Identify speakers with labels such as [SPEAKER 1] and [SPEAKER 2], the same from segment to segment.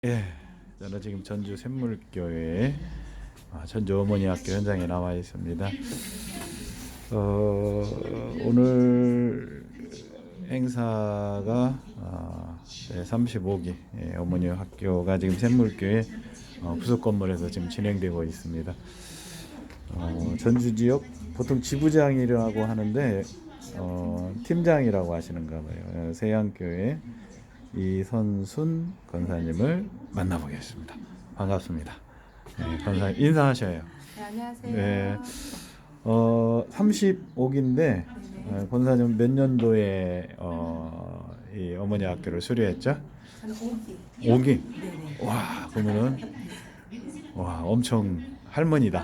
[SPEAKER 1] 예, 저는 지금 전주 샘물교회 전주 어머니 학교 현장에 나와 있습니다. 오늘 행사가 35기 어머니 학교가 지금 샘물교회 부속 건물에서 지금 진행되고 있습니다. 전주 지역 보통 지부장이라고 하는데 팀장이라고 하시는가 봐요. 세양교회 이선순 권사님을 만나보겠습니다. 반갑습니다. 네, 권사님 인사하셔요.
[SPEAKER 2] 네, 안녕하세요.
[SPEAKER 1] 네, 35기인데 권사님 몇 년도에 이 어머니 학교를 수료했죠?
[SPEAKER 2] 저는 5기.
[SPEAKER 1] 5기?
[SPEAKER 2] 네네.
[SPEAKER 1] 와, 그러면은 엄청 할머니다.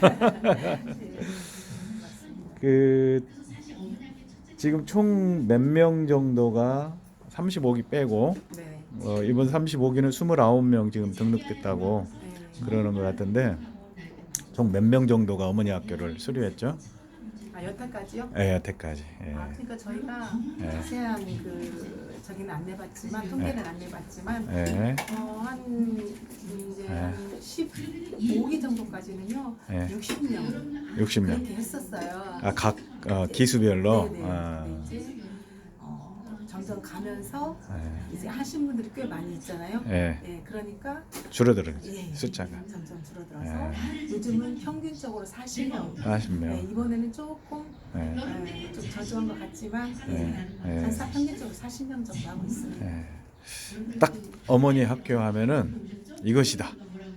[SPEAKER 1] 그 지금 총 몇 명 정도가 35기 빼고
[SPEAKER 2] 네.
[SPEAKER 1] 이번 35기는 29명 지금 등록됐다고
[SPEAKER 2] 네.
[SPEAKER 1] 그러는 것 같은데 총 몇 명 정도가 어머니 학교를 수료했죠?
[SPEAKER 2] 여태까지요?
[SPEAKER 1] 예, 여태까지. 예.
[SPEAKER 2] 그러니까 저희가
[SPEAKER 1] 예.
[SPEAKER 2] 자세한 저기는 안 내봤지만 통계는 안 내봤지만
[SPEAKER 1] 예.
[SPEAKER 2] 한 이제 한 15기 정도까지는요.
[SPEAKER 1] 예.
[SPEAKER 2] 60명
[SPEAKER 1] 60명.
[SPEAKER 2] 그렇게 했었어요.
[SPEAKER 1] 각 기수별로.
[SPEAKER 2] 네네. 근데 이제 점점 가면서
[SPEAKER 1] 예.
[SPEAKER 2] 이제 하신 분들이 꽤 많이 있잖아요.
[SPEAKER 1] 예.
[SPEAKER 2] 네, 그러니까
[SPEAKER 1] 줄어드는
[SPEAKER 2] 예,
[SPEAKER 1] 숫자가
[SPEAKER 2] 점점 줄어들어서 요즘은 평균적으로 40명.
[SPEAKER 1] 40명.
[SPEAKER 2] 네, 이번에는 조금
[SPEAKER 1] 예.
[SPEAKER 2] 좀 저조한 것 같지만
[SPEAKER 1] 예.
[SPEAKER 2] 평균적으로 40명 정도 하고 있습니다.
[SPEAKER 1] 예. 딱 어머니 학교 하면은 이것이다.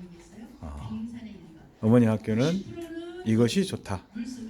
[SPEAKER 1] 어머니 학교는 이것이 좋다.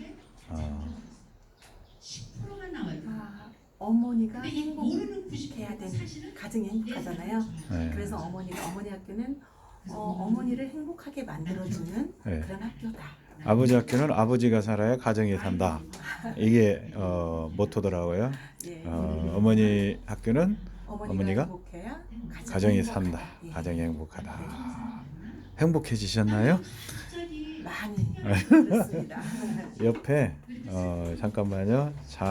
[SPEAKER 2] 어머니가 행복해야 되는 가정이 행복하잖아요.
[SPEAKER 1] 네.
[SPEAKER 2] 그래서 어머니 학교는 어머니를 행복하게 만들어주는
[SPEAKER 1] 네.
[SPEAKER 2] 그런 학교다.
[SPEAKER 1] 아버지 학교는 아버지가 살아야 가정이 산다. 이게 모토더라고요.
[SPEAKER 2] 예.
[SPEAKER 1] 어머니 학교는 어머니가
[SPEAKER 2] 행복해야
[SPEAKER 1] 가정이
[SPEAKER 2] 행복하다.
[SPEAKER 1] 산다.
[SPEAKER 2] 예.
[SPEAKER 1] 가정이 행복하다. 행복해지셨나요?
[SPEAKER 2] 많이 그렇습니다.
[SPEAKER 1] 옆에 잠깐만요.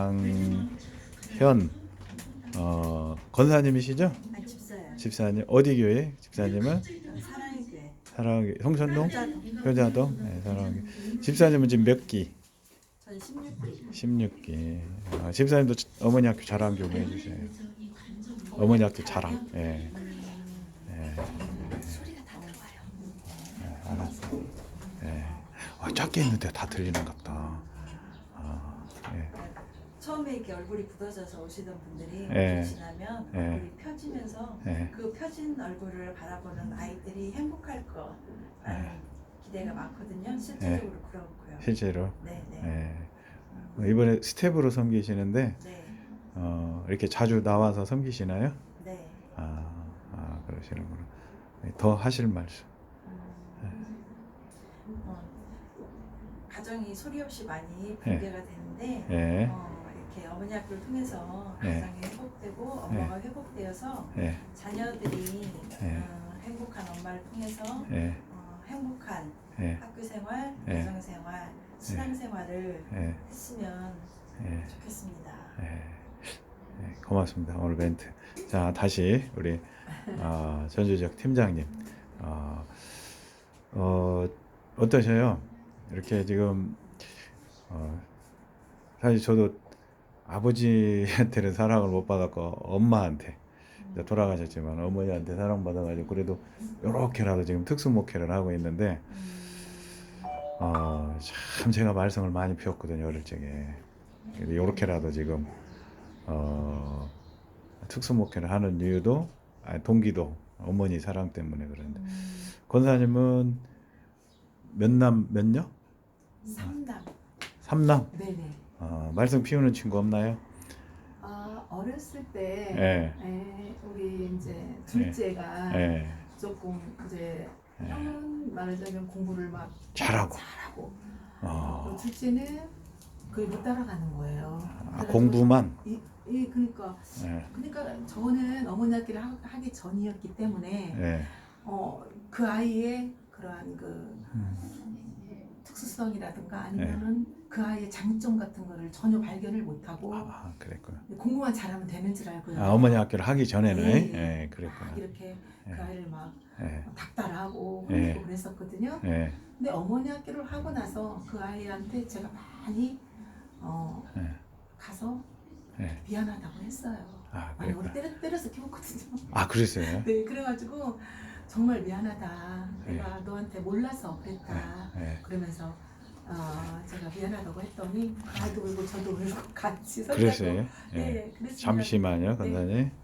[SPEAKER 1] 장현 권사님이시죠?
[SPEAKER 2] 집사요.
[SPEAKER 1] 집사님 어디 교회? 집사님은
[SPEAKER 2] 사랑의 교회.
[SPEAKER 1] 사랑교회 성천동? 효자동? 네, 사랑교회. 집사님은 지금 몇 기?
[SPEAKER 2] 전 16기.
[SPEAKER 1] 16기. 집사님도 어머니 학교 자랑 좀 해주세요. 어머니 학교 자랑. 예.
[SPEAKER 2] 소리가 다 들어가요.
[SPEAKER 1] 알았어. 예. 작게 했는데 다 들리는 것 같다. 예.
[SPEAKER 3] 처음에 이렇게 얼굴이 굳어져서 오시던 분들이
[SPEAKER 1] 예.
[SPEAKER 3] 지나면
[SPEAKER 1] 예.
[SPEAKER 3] 얼굴이 펴지면서
[SPEAKER 1] 예.
[SPEAKER 3] 그 펴진 얼굴을 바라보는 아이들이 행복할 거라는 기대가 많거든요. 실질적으로 그렇고요.
[SPEAKER 1] 실제로.
[SPEAKER 3] 네네.
[SPEAKER 1] 예. 이번에 스텝으로 섬기시는데
[SPEAKER 3] 네.
[SPEAKER 1] 이렇게 자주 나와서 섬기시나요?
[SPEAKER 3] 네.
[SPEAKER 1] 그러시는구나. 더 하실 말씀.
[SPEAKER 3] 가정이 소리 없이 많이 붕괴가 되는데
[SPEAKER 1] 예.
[SPEAKER 3] 이렇게 어머니 학교를 통해서
[SPEAKER 1] 예.
[SPEAKER 3] 가정이 회복되고 엄마가 회복되어서
[SPEAKER 1] 예.
[SPEAKER 3] 자녀들이
[SPEAKER 1] 예.
[SPEAKER 3] 행복한 엄마를 통해서
[SPEAKER 1] 예.
[SPEAKER 3] 행복한
[SPEAKER 1] 예.
[SPEAKER 3] 학교 생활,
[SPEAKER 1] 예.
[SPEAKER 3] 가정 생활, 신앙 생활을
[SPEAKER 1] 예.
[SPEAKER 3] 했으면
[SPEAKER 1] 예.
[SPEAKER 3] 좋겠습니다.
[SPEAKER 1] 고맙습니다. 오늘 멘트. 자, 다시 우리 전주지역 팀장님. 어떠셔요? 이렇게 지금 사실 저도 아버지한테는 사랑을 못 받았고 엄마한테 이제 돌아가셨지만 어머니한테 사랑받아가지고 그래도 이렇게라도 지금 특수목회를 하고 있는데 참 제가 말썽을 많이 피웠거든요 어릴 적에. 이렇게라도 지금 특수목회를 하는 이유도 동기도 어머니 사랑 때문에 그런데 권사님은 몇 녀?
[SPEAKER 2] 3남.
[SPEAKER 1] 3남?
[SPEAKER 2] 네네.
[SPEAKER 1] 말썽 피우는 친구 없나요?
[SPEAKER 2] 어렸을 때 우리 이제 둘째가 조금 이제 형은 말하자면 공부를 막
[SPEAKER 1] 잘하고
[SPEAKER 2] 둘째는 그게 못 따라가는 거예요.
[SPEAKER 1] 공부만?
[SPEAKER 2] 그러니까 저는 어머니 학기를 하기 전이었기 때문에 그 아이의 그러한 특수성이라든가 아니면은 그 아이의 장점 같은 거를 전혀 발견을 못하고
[SPEAKER 1] 그랬구나.
[SPEAKER 2] 공부만 잘하면 되는 줄 알고요.
[SPEAKER 1] 어머니 학교를 하기 전에는
[SPEAKER 2] 네.
[SPEAKER 1] 그랬구나.
[SPEAKER 2] 이렇게 그 아이를 막 나가고
[SPEAKER 1] 예.
[SPEAKER 2] 그러고 그랬었거든요.
[SPEAKER 1] 예.
[SPEAKER 2] 근데 어머니 학교를 하고 나서 그 아이한테 제가 많이
[SPEAKER 1] 예.
[SPEAKER 2] 가서
[SPEAKER 1] 예.
[SPEAKER 2] 미안하다고 했어요.
[SPEAKER 1] 아,
[SPEAKER 2] 많이 우리
[SPEAKER 1] 그랬구나.
[SPEAKER 2] 때려서 키웠거든요.
[SPEAKER 1] 아, 그랬어요?
[SPEAKER 2] 네, 그래가지고 정말 미안하다. 내가 너한테 몰라서 그랬다.
[SPEAKER 1] 예.
[SPEAKER 2] 그러면서 제가 미안하다고 했더니 아이도 울고 저도 울고 같이 손잡고
[SPEAKER 1] 그랬어요? 예.
[SPEAKER 2] 네, 그랬습니다.
[SPEAKER 1] 잠시만요,
[SPEAKER 2] 네.
[SPEAKER 1] 간단히.